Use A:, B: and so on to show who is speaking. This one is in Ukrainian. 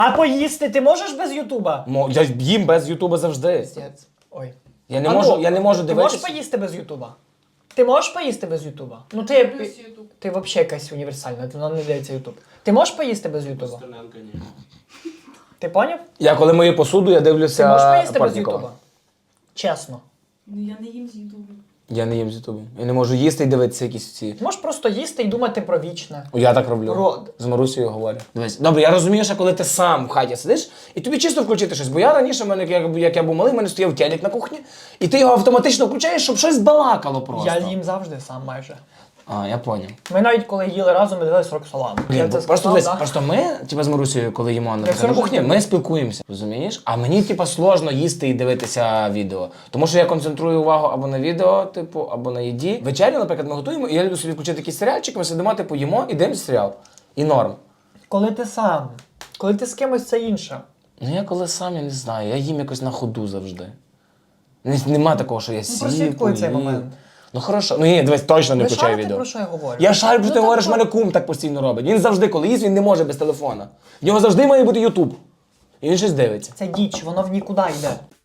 A: А поїсти ти можеш без Ютуба?
B: Я їм без Ютуба завжди.
A: Пиздець. Ой.
B: Я не можу
A: Ти
B: дивитися.
A: можеш поїсти без Ютуба? Ти можеш поїсти без Ютуба? Ну ти взагалі якась універсальна, вона не дивиться Ютуб. Ти можеш поїсти без Ютуба?
C: Стерненка ні.
A: Ти поняв?
B: Я коли мию посуду, я дивлюся
A: Ти можеш поїсти без
B: Портнікова.
A: Ютуба? Чесно.
D: Ну я не їм з Ютубу.
B: Я не їм з Ютубу. Я не можу їсти і дивитися якісь ці.
A: Ти можеш просто їсти і думати про вічне.
B: Я так роблю.
A: Про-
B: З Марусею говорю. Дивись. Добре, я розумію, що коли ти сам в хаті сидиш, і тобі чисто включити щось. Бо я раніше, як я був малий, в мене стояв телек на кухні, і ти його автоматично включаєш, щоб щось балакало просто.
A: Я їм завжди сам майже.
B: А, я поняв.
A: Ми навіть коли їли разом, ми дивились Роксолану.
B: Блін,
A: Я
B: бо
A: це
B: просто,
A: сказав,
B: дивись,
A: да?
B: просто ми, типа з Марусею, коли їмо на
A: все
B: кухні,
A: робимо.
B: ми спілкуємося, розумієш? А мені, типа, сложно їсти і дивитися відео. Тому що я концентрую увагу або на відео, типу, або на їді. Вечерю, наприклад, ми готуємо, і я люблю собі включити якийсь серіальчик, ми сидимо, типу, їмо і дивимося серіал. І норм.
A: Коли ти сам. Коли ти з кимось, це інше.
B: Ну я коли сам, я не знаю, я їм якось на ходу завжди. Нема такого, що я сів,
A: прослідкуй цей
B: поїв.
A: момент.
B: Ну хорошо, ну ні, дивись, точно не
A: Ви
B: включаю
A: шарите,
B: відео.
A: про що я говорю?
B: Я шарю, що ти
A: Ну,
B: говориш,
A: так,
B: мене кум так постійно робить. Він завжди, коли їсть, він не може без телефона. В нього завжди має бути Ютуб. І він щось дивиться.
A: Це діч, воно в нікуди йде.